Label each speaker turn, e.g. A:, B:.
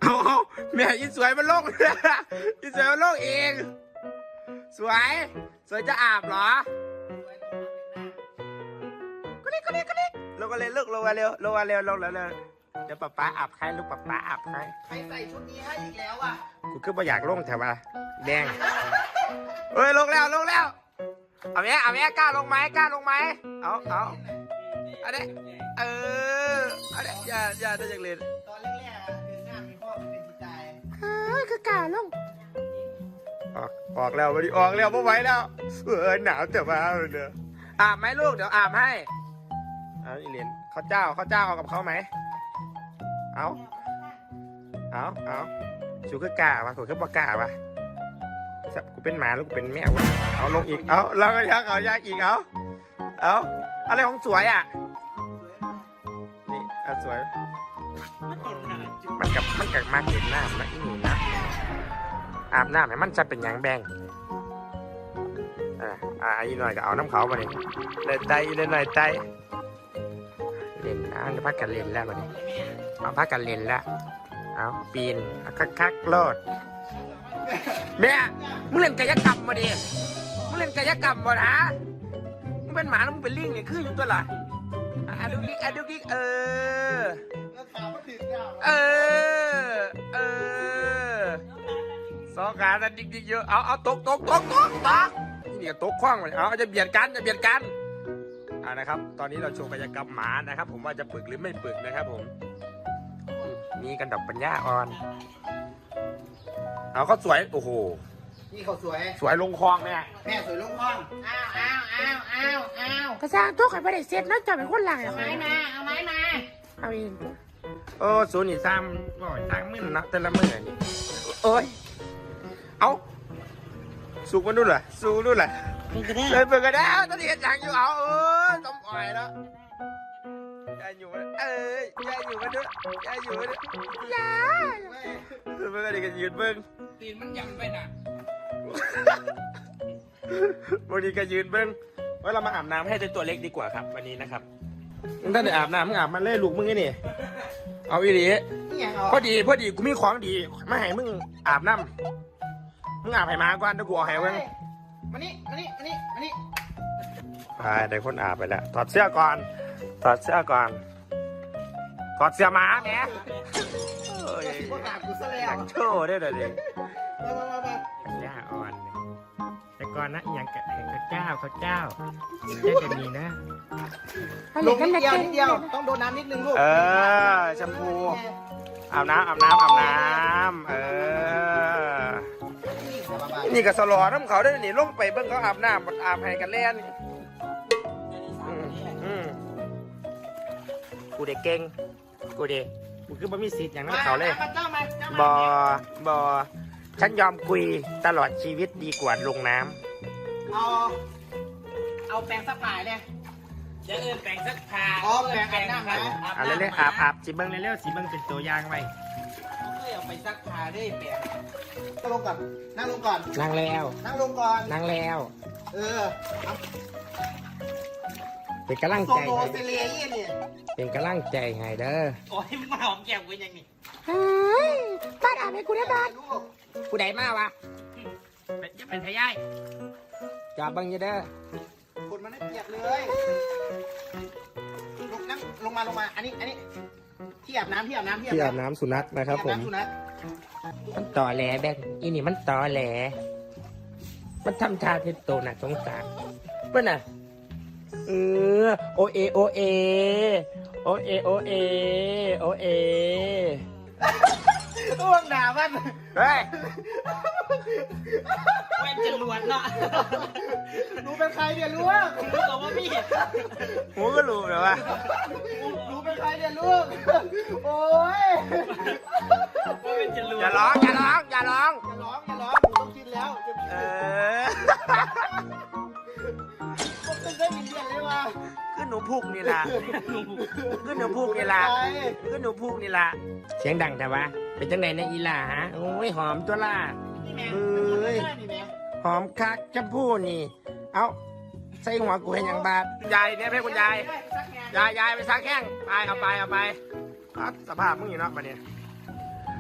A: เอาแม่อีสวยมันโลกอีสวยมันโลกเองสวยจะอาบเหรอก็เล็กลงกันเลยลูกลงมาเร็วลงแล้วเดี๋ยวป๊าอาบให้ลูกป๊าอาบให้
B: ใครใส่ชุดนี้ให้อีกแล้วอ่ะ
A: กูคือไม่อยากลงแถวว่าแดงเฮ้ยลงแล้วเอาแม่กล้าลงไหมเอาอันนี้อันนี้อย่าได้จังเลย
B: ตอนแรกๆเดินหน้ามีพ่อเป็นจิตใจ
A: คือกล้าลงออกแล้ววันนี้ออกแล้วไม่ไหวแล้วหนาวแต่ว่าเด้ออาบไหมลูกเดี๋ยวอาบให้อีเลนข้าวเจ้าเอากับเขาไหมเอาชูคือกล้าวะถูกคือปากกล้าวะกูเป็นหมาแล้วกูเป็นแมวเอาลงอีกแล้วก็ยักเอายากอีกเอาอะไรของสวยอ่ะนี่สวยมันกับมาเห็นน้ำนะอีนี่นะอาบน้ำให้มันจะเป็นยางแบงอีหน่อยก็เอาน้ำเขามาดิเลยไตเลยหน่อยไตเล่นนะจะพักกันเล่นแล้วมาดิเอาพักกันเล่นแล้วเอาปีนคักโลดแม่มึงเล่นกายกรรมมาดิมึงเล่นกายกรรมมานะมึงเป็นหมาแล้วมึงเป็นลิงเนี่ยคืออยู่ตัวละดูกิ๊กสองขาแต่ดิ๊กเยอะเอาตกนี่ก็ตกคว้างเลยเอาจะเบียดกันนะครับตอนนี้เราโชว์กายกรรมหมานะครับผมว่าจะปึกหรือไม่ปึกนะครับผมมีกันดอกปัญญาอ่อนเอาเขาสวยโอ้โห
B: นี่เขาส
A: วยลงคลองแม่
B: สวยลงคลองอ้าว
A: กระซังตัวไข่ไม่ได้เสร็จนะจะเป็นคนหลัง
B: เอาไม้มา
A: เอาเองศูนย์นี่ซ้ำบ่อยซ้ำมื่นนะแต่ละมื่นนี่เอาสูกมันดูเหรอสูกดูเหรอเลยเปิดกันแล้วตอนนี้จังอยู่ต้องปล่อยแล้วยายอยู่มาด้วยยายเบิ่งกันดิกันยืนเบิ่ง
B: ตีนมันยำไปน่ะ
A: วันนี้ก็ยืนเบิ้งว่าเรามาอาบน้ำให้ตัวเล็กดีกว่าครับวันนี้นะครับมึงถ้าได้อาบน้ำมึงอาบมันเล่ลูกมึงไงนี่เอาอีหลีพอดีกูมีของดีมาให้มึงอาบน้ำมึงอาบให้มาก่อนเดี๋ยวกูเอาให้มึง
B: มานี่
A: ไปได้คนอาบไปแล้วถอดเสื้อก่อนถอดเสื้อหมาแม่อยากโชว์ได้เลยดิย่าอ่อนแต่ก่อนนะอย่างกับเจ้าจะมีนะ
B: ลงนิดเดียวต้องโดนน้ำนิดนึงลูก
A: แชมพูอาบน้ำนี่ก็สลอน้ำเขาได้นี่ลงไปเบิ้งเขาอาบน้ำอาบให้กันเล่นกูเด็กเก่งกูคือไม่มีสิทธิ์อย่างนั้นเขาเลยบอฉันยอมคุยตลอดชีวิตดีกว่าลงน้
B: ำเอาแปรงซักผ้าเลยจะแปรงซักผ้าแปรงอาบน้ำนะ
A: อะไรเลยอาบสีเบิ้งเร็วสีเบิ้งเป็นตัวอย่างไว้
B: เอาไปซักผ้าได้แปรงนั่งลงก่อนนั่งลงก่อน
A: นั่งแล้วเป็นกำลังใจเป็นกำลังใจให้เด้อ
B: โอ้ยมันมาหอมแก้มกูยังนี่
A: บ้านอาบให้กูได้บ้านกูได้มาวะ
B: จะเป็นพยาย
A: จับบังเยอะเด้อ
B: คนมันไม่เปียกเลยลงมาอันนี้ที่อาบน้
A: ำสุนัขนะครับผมมันต่อแหลแบงอีนี่มันต่อแหลมันทำท่าเทโตน่ะสงสารเพื่อนน่ะโอเอ
B: อ้วงด่ามัน
A: เฮ้ย
B: แว่นจะลวนเนาะรู้เป็นใครเนี่ยลูกรู้กับว่าพี่
A: หูก็รู้เหรอวะ
B: รู้เป็นใครเนี่ยลูกโอ้ย
A: อย่าร้องผมต้องกินแล้ว
B: ได้ยินเสียงเลยว่ะ
A: ขึ้นหนูพุกนี่ล่ะเสียงดังแต่ว่าเป็นจังไหนนะอีล่าฮะโอ้ยหอมตัวล่ะหอมคักจะพูดนี่เอาใส่หัวกูเห็นอย่างบาดยายเนี่ยเพื่อนคุณยายไปซักแข้งไปเอาไปสภาพมึงอยู่เนาะมาเนี่ย